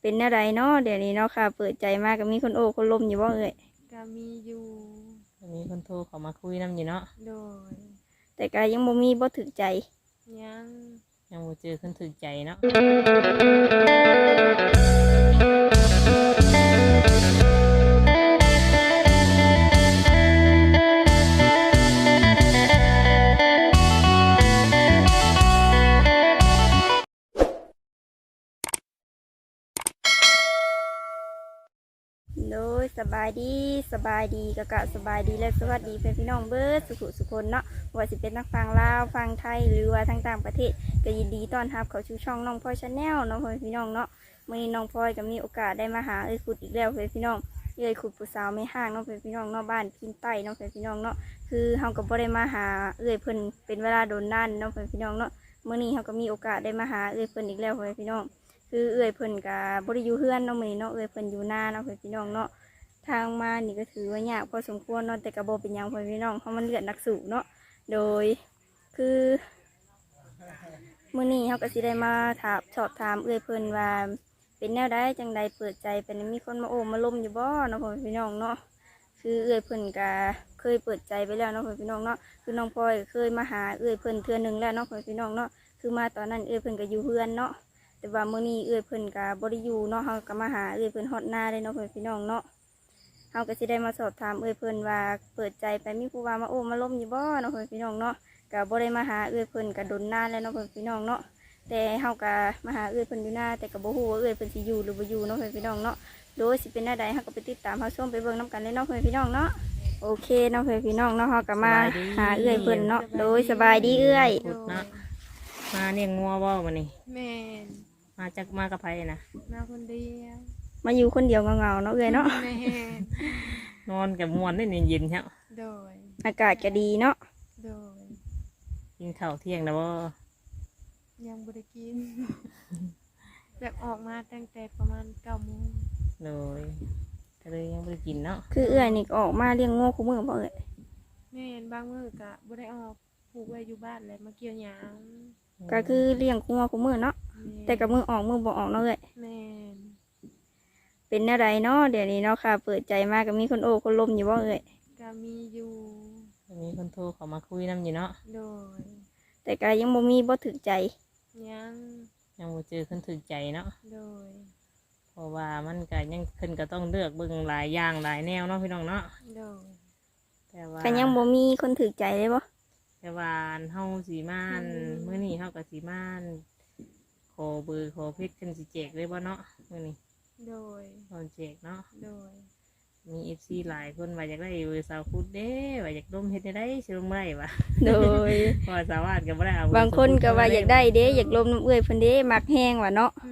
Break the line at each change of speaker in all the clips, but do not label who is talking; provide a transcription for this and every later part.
เป็นอะไรเนาะเดี๋ยวนี้เนาะค่ะเปิดใจมากก็มีคนโอ้คนลมอยู่บ่เอ่ย
ก็มีอยู่
มีคนโทรเขามาคุยน้ำอยู่เนาะ
โดย
แต่ก็ยังบ่มีบ่ถึกใจ
ยัง
ยังบ่เจอคนถึกใจเนาะ
โดยสบายดีสบายดีกะสบายดีและสวัสดีเพื่อนพี่น้องเบิร์ดสุขคนเนาะว่าสิเป็นนักฟังลาวฟังไทยหรือว่าทางต่างประเทศก็ยินดีต้อนรับเขาชูช่องน้องพลอยชาแนลน้องพลอยพี่น้องเนาะมื่อนี้น้องพลอยก็มีโอกาสได้มาหาขุดอีกแล้วเพื่อนพี่น้องขุดผู้สาวไม่ห่างน้องเพื่อนพี่น้องเนาะบ้านพินใต้น้องเพื่อนพี่น้องเนาะคือเฮาก็บ่ได้มาหาเพิ่นเป็นเวลาโดนนั่นน้องเพื่อนพี่น้องเนาะมื่อนี้เฮาก็มีโอกาสได้มาหาเพิ่นอีกแล้วเพื่อนพี่น้องคือเพิ่นกับบริยูเฮือนเนาะมื้อนี้เนาะเพิ่นอยู่หน้าเนาะเพื่อนพี่น้องเนาะทางมานี่ก็ถือว่ายากพอสมควรเนาะแต่กระโบเป็นยังเพื่อนพี่น้องเพราะมันเลือดนักสู้เนาะโดยคือมื้อนี้เขาก็สิได้มาสอบถามเพิ่นว่าเป็นแนวใดจังใดเปิดใจเป็นมีคนมาโอ้มาล้มอยู่บ่เนาะเพื่อนพี่น้องเนาะคือเพิ่นก็เคยเปิดใจไปแล้วเนาะเพื่อนพี่น้องเนาะคือน้องพลอยเคยมาหาเพิ่นเทื่อนึงแล้วเนาะเพื่อนพี่น้องเนาะคือมาตอนนั้นเพิ่นก็อยู่เฮือนเนาะแต่ว่ามื้อนี้เพิ่นก็บ่ได้อยู่เนาะเขาก็มาหาเพิ่นฮอดหน้าเลยเนาะเพื่อนพี่น้องเนาะเฮาก็สิได้มาสอบถามเพิ่นว่าเปิดใจไปมีผู้ว่ามาโอ้มาล้มอยู่บ่เนาะเพื่อนพี่น้องเนาะก็บ่ได้มาหาเพิ่นก็ดนนานแล้วเนาะเพื่อนพี่น้องเนาะแต่เฮาก็มาหาเพิ่นอยู่หน้าแต่ก็บ่ฮู้ว่าเพิ่นสิอยู่หรือบ่อยู่เนาะเพื่อนพี่น้องเนาะโดยสิเป็นแนวใดเฮาก็ไปติดตามเฮาชมไปเบิ่งนํกันเลยเนาะเพื่อนพี่น้องเนาะโอเคเนาะเพื่อนพี่น้องเนาะเฮาก็มาหาเพิ่นเนาะโดยสบายดี
ขุดเนาะมาเลี้ยงงัวบ่มื้อนี้
แม่น
มาจากมากับไผนะ
มาคนเดียว
มาอยู่คนเดียวเงาๆเนาะเนาะ
แม่น
นอนกับม่วนได้เย็นๆครับ
โดย
อากาศก็ดีเนาะ
โดย
กินข้าวเที่ยงแล้วบ่
ยังบ่ได้กิน แบบออกมาตั้งแต่ประมาณ9 โมง
เลยก็เลยยังบ่ได้กินเนาะ
คือนี่ออกมาเลี้ยงงูคู่มือบ่
แม่นบางมื้อก็บ่ได้ออกผูกไว้อยู่บ้านแหละมาเกี่ยวหญ้า
ก็คือเลี้ยงงูคู่มือเนาะแต่กับมือออกมือบ่ออกเนาะ
แม่น
เป็นอะไรเนาะเดี๋ยวนี้เนาะค่ะเปิดใจมากก็มีคนโอ้คนลมอยู่บ่
ก็มีอยู่
มีคนโทรเขามาคุยน้ำอยู่เนาะ
โดย
แต่ก็ยังบ่มีบ่ถึกใจ
ยัง
บ่เจอคนถึกใจเนาะ
โดย
เพราะว่ามันก็ยังขึ้นก็ต้องเลือกเบิ่งหลายอย่างหลายแนวเนาะพี่น้องเนาะ
โดย
แต่ว่า
ก็ยังบ่มีคนถึกใจเลยบ่
แต่ว่าเฮาสีม่านมื้อนี้เฮากับสีม่านขอเบอร์ขอเพชรกันสิแจกเลยบ่เนาะมื้อนี้
โดย
ตอนแจกเนาะ
โดย
มี FC หลายคนว่าอยากได้เบอร์สาวคุดเด้ว่าอยากร่มเฮ็ดได้สิร่มได้วะ
โดย
เพราะสาวาดก็บ่ได้เอา
บางคนก็ว่าอยากได้เด้อยากลมน้ำเอื้อยเพิ่นเด้มักแห้งว่ะเนาะ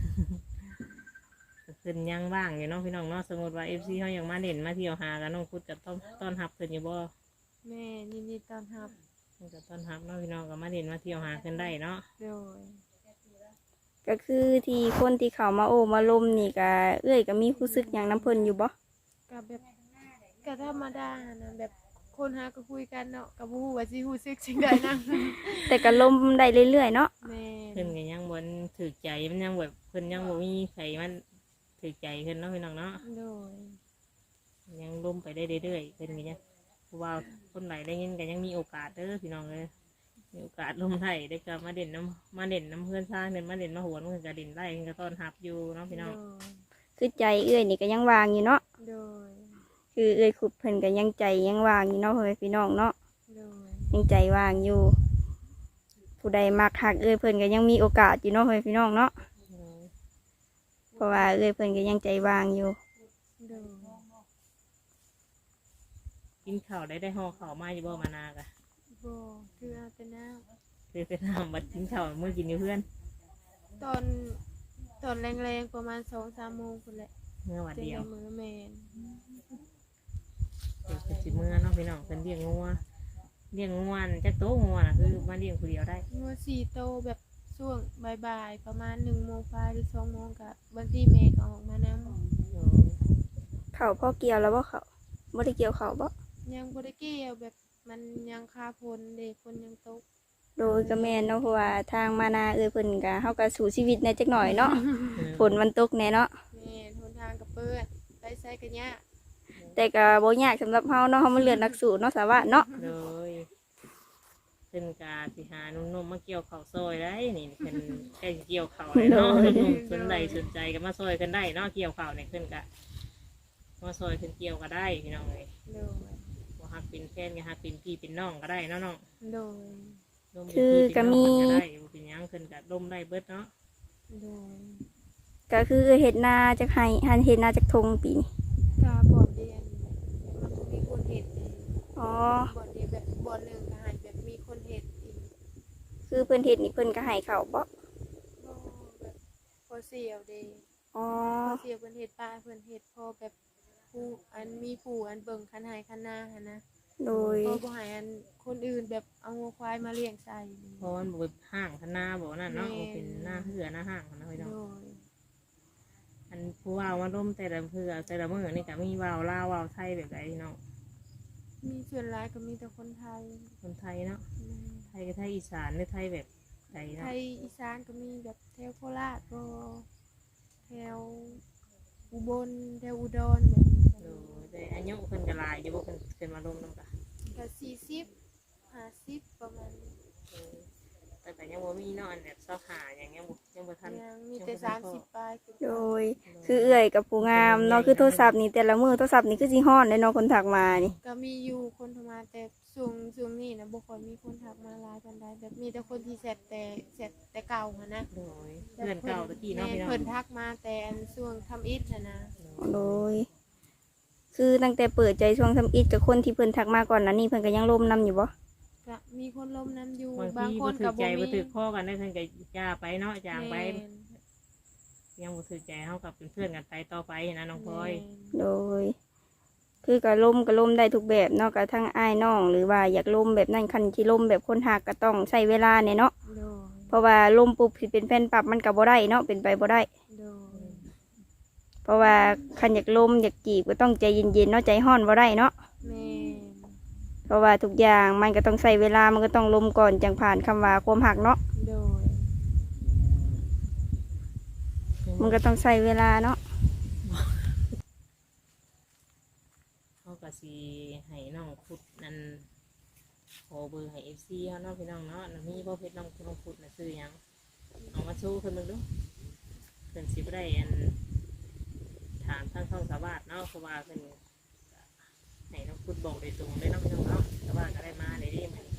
ขึ้นยังว่างอยู่เนาะพี่น้องเนาะสมมติว่า FC เฮาอยากมาเล่นมาเที่ยวหากันน้องคุดก็ต้องต้อนรับเพิ่นอยู่บ่
แม่ยินดีต้อนรับ
ก็ต้อนรับเนาะพี่น้องก็มาเล่นมาเที่ยวหาขึ้นได้เนาะ
โดย
ก็คือที่คนที่เขามาโอ้มาลมนี่ก็ก็มีรู้สึกอย่างน้ำเพิ่นอยู่บ่
ก็แบบก็ธรรมดานะแบบคนหาก็คุยกันเนาะก็บ่ฮู้ว่าสิรู้สึกจังได๋นะ
แต่ก็ลมได้เรื่อยๆเนาะ
แม่
เพิ่นก็ยังบ่ถูกใจมันยังแบบเพิ่นยังบ่มีใครมันถูกใจเพิ่นเนาะพี่น้องเนาะ
โดย
ยังลมไปได้เรื่อยๆเพิ่นก็ยังเพราะว่าคนไหนได้ยินก็ยังมีโอกาสเด้อพี่น้องเอ้ยมีโอกาสลมไทยได้กลับมาเด่นน้ำเพื่อนซ่าเด่นมาเด่นมาโหนมันก็เด่นได้ก็ต้อนรับอยู่เนาะพี่น้อง
คือใจนี่ก็ยังวางอยู่เนาะ
โดย
คือขุดเพิ่นก็ยังใจยังวางอยู่เนาะพี่น้องเนาะ
โดย
ยังใจวางอยู่ผู้ใดมักหักเพิ่นก็ยังมีโอกาสอยู่เนาะพี่น้องเนาะเพราะว่าเพิ่นก็ยังใจวางอยู่
กินข้าวได้ห่อข้าวมาอยู่บ่มานากะ
บ่คือเอาแต่น้
ำคือเป็นน้ำบัดกินข้าวเมื่อกินอยู่เพื่อน
ตอนแรงๆประมาณ2-3 โมงคนแหละ
เมื่อวันเดียว
มื้อแม่น
เป็นสิเมื่อเนาะพี่น้องเป็นเลี้ยงงัวจักโตงัวน่ะคือมาเลี้ยงคนเดียวได้
งัว4 โตแบบช่วงบ่ายๆประมาณ1 โมงปลายหรือ2 โมงก็บางทีแม่ก็ออกมานำ
เขาพ่อเกี่ยวแล้วบ่เขาบ่ได้เกี่ยวเขาบ่
ยังบ่ได้เกี่ยวแบบมันยังคาฝนเด็กฝนยังตก
โดยก็แม่นเนาะเพราะว่าทางมานาเพิ่นก็เฮาก็สู้ชีวิตในจักหน่อยเนาะเพนมันตกแน่เนาะ
แม่นหนทางก็เปิดไปไสก็ยาก
แต่ก็บ่ยากสำหรับเฮาเนาะเฮามันเลือดนักสู้เนาะสาวะเนาะ
เลยเพิ่นกาสิหานุ่มๆมาเกี่ยวข้าวซอยได้นี่เพิ่นใกล้สิเกี่ยวข้าวเลยเนาะนุ่มๆสนใจก็มาซอยกันได้เนาะเกี่ยวข้าวเนี่ยเพิ่นก็มาซอยเพิ่นเกี่ยวก็ได้พี่น้องเอ้ย
โดย
บ่ฮักเป็นแฟนก็ฮักเป็นพี่เป็นน้องก็ได้เนาะน้อง
โดย
ร่วมเป็นพี่เป็นน้องกันก็ได้บ่เป็นหยังเพิ่นก็ร่มได้เบิดเนาะ
โดย
ก็คือเฮ็ดนาจักให้หันเฮ็ดนาจักทงปีนี้
กาบ่อนเรียนมันบ่มีคนเฮ็ดเอง
อ๋อ
บ่อนเรียนแบบบ่อนหนึงก็ให้แบบมีคนเฮ็ดอีก
คือเพิ่นเฮ็ดนี่เพิ่นก็ให้เขาบ่
บ่แบบพอเสียวเด้
อ๋อ
พอเสียวเพิ่นเฮ็ดป้าเพิ่นเฮ็ดพอแบบผู้อันมีผู้อันเบิ่งคันให้คันนาหั่นนะ
โดย
พอบ่ให้อันคนอื่นแบบเอางัวควายมาเลี้ยงใส่นี่
เพราะมันบ่เป็นห้างพนาบ่นั่นเนาะ
แม่
บ่เป็นหน้าเหือหน้าห้างนะพี่น้อง
โดย
อันผู้ว่าวมาร่มแต่ละเพื่อแต่ละมื้อนี่ก็มีว่าวลาวว่าวไทยแบบใดพี่น้อง
มีส่วนหลายก็มีแต่คนไทย
คนไทยเนาะ
แม่
ไทยก็ไทยอีสานหรือไทยแบบใด
ไท
เนาะ
ยอีสานก็มีแบบแถวโคราชก็แถวอุบลแถวอุดรแบบนี้
โดยแต่อายุเพิ่นก็หลายอยู่บ่เพิ่นมาร่มนำกะ
ก็40 50ประมาณนี้
แต่ก็ยังบ่มีเนาะอันแบบเสาหาอย่างยังบ่ทัน
ยังมีแต่30ปลายขึ้นไป
โดย คือเอื้อยกับผู้งามเนาะคือโทรศัพท์นี่แต่ละมื้อโทรศัพท์นี่คือสิฮ้อนเลยเนาะคนทักมานี่
ก็มีอยู่คนโทรมาแต่ช่วงนี้นะบ่ค่อยมีคนทักมาหลายปานใดแบบมีแต่คนที่แชทแต่เก่าหั่นนะ
โดยเพื่อนเก่าตะกี้เนาะ
แม่
พี่น้อง
เพิ่นทักมาแต่อันช่วงทำอิฐหั่นนะ
โดย คือตั้งแต่เปิดใจช่วงทำอิฐกับคนที่เพิ่นทักมาก่อนนั้นนี่เพิ่นก็ยังร่มนํอยู่บ่
ก็มีคนล้มน้ำอยู่
บาง
บาง
ที
ค
บ่
น
ถื
ก็
อใจ
บ่
บ่
มี
ถือข้อกันได้เพิ่นก็ย่าไปเนาะจางไป
แม่น
ยังบ่ถือใจเฮากับเป็นเพื่อนกันไปต่อไปนะน้องพลอย
โดย คือก็ล่มได้ทุกแบบเนาะก็ทั้งอ้ายน้องหรือว่าอยากล่มแบบนั้นคันที่ล่มแบบคนหักก็ต้องใช้เวลาเนี่ยเนาะ
โดย
เพราะว่าล่มปุ๊บสิเป็นแฟนปรับมันก็บ่ได้เนาะเป็นไปบ่ได้
โดย
เพราะว่าคันอยากล่มอยากจีบก็ต้องใจเย็นๆเนาะใจห้อนบ่ได้เนาะ
แม่น
เพราะว่าทุกอย่างมันก็ต้องใช้เวลามันก็ต้องล่มก่อนจังผ่านคำว่าความหักเนาะ
โดย
มันก็ต้องใช้เวลาเนาะ
เขาก็สิให้น้องขุดนั่นขอเบอร์ให้ FC เฮาเนาะพี่น้องเนาะแล้วมีบ่เพชรน้องขุดน่ะซื้อหยังเอามาสู้เพิ่นเบิ่งดูเพิ่นสิบ่ได้อันถามทางช่องสาวาสเนาะเพราะว่าเพิ่นก็ให้น้องขุดบอกโดยตรงเลยเนาะพี่น้องเนาะสาวาสก็ได้มาได้ดีมัน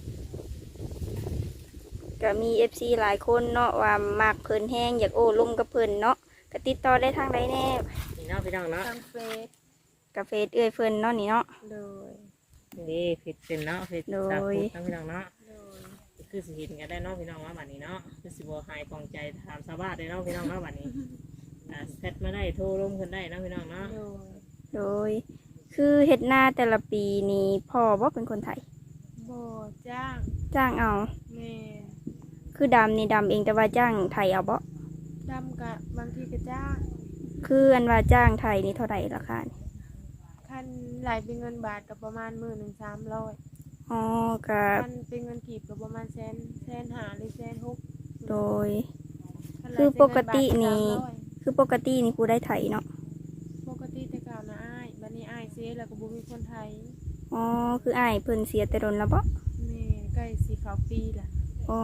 ก็มี FC หลายคนเนาะว่ามักเพิ่นแฮงอยากโอ้ล่มกับเพิ่นเนาะก็ติดต่อได้ทางใดแน่
นี่เนาะพี่น้องเนาะ
ทางเฟซ
กับเฟซเอื้อยเพิ่นเนาะนี่เนาะ
โดย
นี่เพชรเป็นเนาะเพชร
โดย
สาขุดเนาะพี่น้องเนาะ
โดย
คือสิเห็นกันได้เนาะพี่น้องว่าบัดนี้เนาะคือสิบ่หายปองใจถามสาวาสได้เนาะพี่น้องเนาะบัดนี้เซตมาได้โทรร่มกันได้เนาะพี่น้องเนาะ
โดย
โดย คือเฮ็ดนาแต่ละปีนี่พ่อบ่เป็นคนไทย
บ่จ้าง
จ้างเอา
แม่น
คือดำนี่ดำเองแต่ว่าจ้างไทยเอาบ่
ดำกะบางทีก็จ้าง
คืออันว่าจ้างไทยนี่เท่าไหร่ราคานี่
คันไหลเป็นเงินบาทก็ประมาณ13,300
อ๋อก็
คันเป็นเงินกีบก็ประมาณแสนห้าหรือแสนหก
โดย
คันไหล
คือ
เป็น
ป
เงิ
ก
บาท
ตินี่
300
คือปกตินี่กูได้ไทยเนาะ
ปกติแต่เก่านะอ้ายบัดนี้อ้ายเสียแล้วก็บ่มีคนไทย
อ๋อคืออ้ายเพิ่นเสียแต่โดนแล้วบ่
แม่ใกล้สิเข้าปีละ
อ๋อ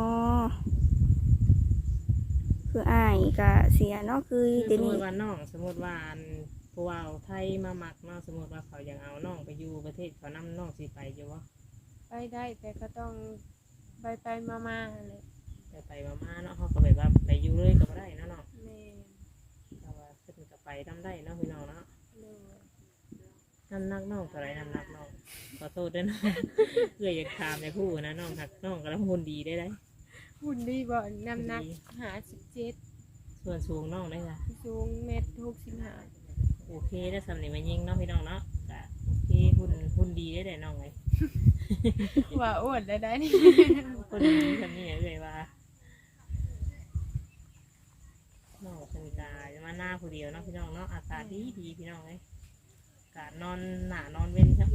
คืออ้ายก็เสียเนาะคือ
คือ
เดี๋
ส
ยว
มม
นี้
ติว่าน้องสมมติว่าอันผู้ว่าไทยมาหมักเนาะสมมติว่าเขาอยากเอาน้องไปอยู่ประเทศเขานํน้องสิไปอยู่วะ
ไปได้แต่ก็ต้องไปมาๆหั่นแหละ
ไปมาๆเนาะเขาก็แบบว่าไปอยู่เลยก็บ่ได้เนาะเนาะ
แม่
แต่ว่าขึ้นก็ไปทำได้เนาะพี่น้องเนาะ
โดย
น้ำหนักน้องเท่าไหรน้ำหนักน้องขอโทษด้วยนะ เพื่ออยากถามในผู้นะน้องหักน้องกำลังหุ่นดีได้ไร
หุ่นดีบ่น้ำหนัก57
ส่วนสูงน้องได้ค่ะ
สูงเมตร65
โอเคได้สำเนียงมายิงเนาะพี่น้องเนาะก็โอเคหุ่นดีได้แต่น้องเลย
ว่าอ้วนได้นี่
หุ่นดีทำนี่เลยว่าน้องเป็นกาจะมาหน้าผู้เดียวเนาะพี่น้องเนาะอากาศดีพี่น้องเลยอากาศนอนหนานอนเว้นครับ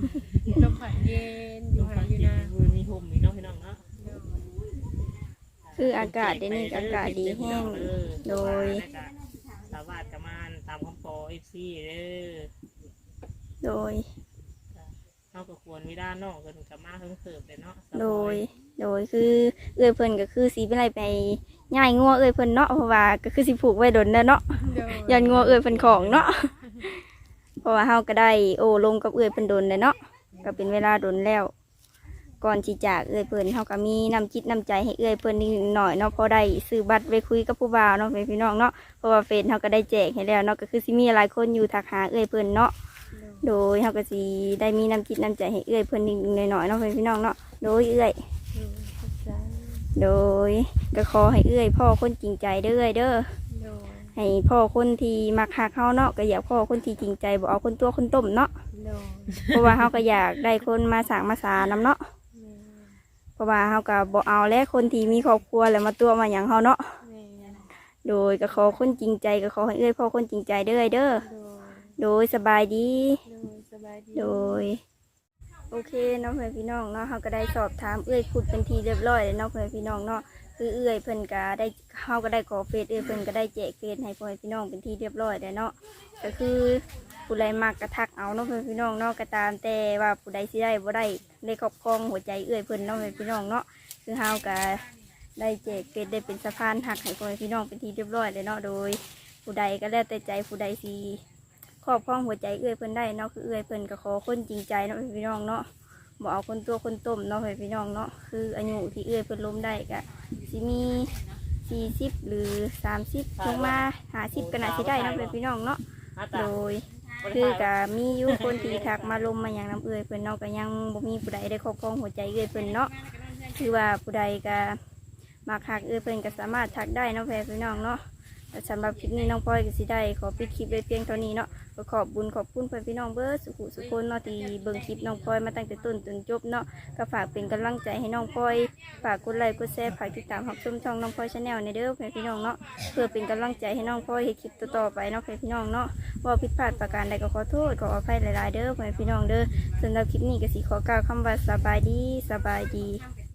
ลมพัดเย็นอยู่
ลม
หา
พัด
อยู่
เย็
นะ
นมีห่มมีเนาะพี่น้องเนาะ
โดย
อ
คืออากาศเดี๋ยวนี้ก็อากาศดีแห้งโดย
สาวาดกับมานตามคำปอเอฟซีเด้อ
โดย
เฮาก็ควรวิดาน้องเพิ่นกับมาเพิ่งเสิร์ฟเลยเนาะ
โดยคือเอื้อยเพิ่นก็คือสิเป็นไรไปย่ายงัวเอื้อยเพิ่นเนาะเพราะว่าก็คือสิผูกไว้ดนเด้อเนาะ
โดย
ยันงัวเอื้อยเพิ่นของเนาะ เพราะว่าเฮาก็ได้โอ้ลมกับเอื้อยเพิ่นดนเลยเนาะก็เป็นเวลาดนแล้ว ก่อนที่จากเอื้อยเพิ่นเฮาก็มีน้ำจิตน้ำใจให้เอื้อยเพิ่นนิดหน่อยเนาะพอได้ซื้อบัตรไปคุยกับผู้บ่าวเนาะพี่น้องเนาะเพราะว่าเฟซเฮาก็ได้แจกให้แล้วเนาะก็คือสิมีหลายคนอยู่ทักหาเอื้อยเพิ่นเนาะ โดยเฮาก็สิได้มีน้ำจิตน้ำใจให้เอื้อยเพิ่นนิดหน่อยๆเนาะพี่น้องเนาะโดยเอื้อย โดยก็ขอให้เอื้อยพ่อคนจริงใจเด้อเด้อ
โดย
ให้พ่อคนที่มักหักเฮาเนาะก็อยากพ่อคนที่จริงใจบ่เอาคนตัวคนต้มเนาะ
โดย
เพราะว่าเฮาก็อยากได้คนมาสร้างมาสานำเนาะเพราะว่าเฮาก็บ่เอาและคนที่มีครอบครัวแล้วมาตัวมาหยังเฮาเนาะ
แม่
โดยก็ขอคนจริงใจก็ขอให้เอื้อยพ่อคนจริงใจเด้อเด้อ
โดย
โดยสบายดี
โดยสบายดี
โดยโอเคเนาะเพื่อนพี่น้องเนาะเขาก็ได้สอบถามเอื้อยพูดเป็นทีเรียบร้อยแล้วเนาะเพื่อนพี่น้องเนาะคือเอื้อยเพิ่นก็ได้เขาก็ได้ขอเฟซเอื้อยเพิ่นก็ได้แจกเฟซให้เพื่อนพี่น้องเป็นทีเรียบร้อยแล้วเนาะก็คือผู้ใดมักกระทักเอาเนาะเพื่อนพี่น้องเนาะก็ตามแต่ว่าผู้ใดสิได้บ่ได้ครอบครองหัวใจเอื้อยเพิ่นเนาะเพื่อนพี่น้องเนาะคือเฮาก็ได้แจกเฟซได้เป็นสะพานหักให้เพื่อนพี่น้องเป็นทีเรียบร้อยแล้วเนาะโดย ผู้ใดก็แล้วแต่ใจผู้ใดสิครอบครองหัวใจเอื้อยเพิ่นได้เนาะคือเอื้อยเพิ่นก็ขอคนจริงใจเนาะพี่น้องเนาะบ่เอาคนตัวคนต้มเนาะพี่น้องเนาะคืออายุที่เอื้อยเพิ่นล้มได้ก็สิมี40หรือ30ลงมา50ก็น่าสิได้เนาะพี่น้องเนาะโดยคือก็มีอยู่คนที่ทักมาลมมาอย่างน้ำเอื้อยเพิ่นเนาะก็ยังบ่มีผู้ใดได้ครอบครองหัวใจเอื้อยเพิ่นเนาะคือว่าผู้ใดก็มักหักเอื้อยเพิ่นก็สามารถทักได้เนาะพี่น้องเนาะสำหรับคลิปนี้น้องพลอยก็สิได้ขอปิดคลิปไว้เพียงเท่านี้เนาะก็ขอบบุญขอบคุณเพื่อนพี่น้องเบิร์ดสุขุสุคนเนาะที่เบิ่งคลิปน้องพลอยมาตั้งแต่ต้นจนจบเนาะก็ฝากเป็นกำลังใจให้น้องพลอยฝากกดไลค์กดแชร์ฝากติดตามรับชมช่องน้องพลอยชาแนลในเด้อเพื่อนพี่น้องเนาะเพื่อเป็นกำลังใจให้น้องพลอยให้คลิปต่อๆไปเนาะเพื่อนพี่น้องเนาะว่าผิดพลาดประการใดก็ขอโทษขออภัยหลายๆเด้อเพื่อนพี่น้องเด้อสำหรับคลิปนี้ก็สิขอกล่าวคำว่าสบายดี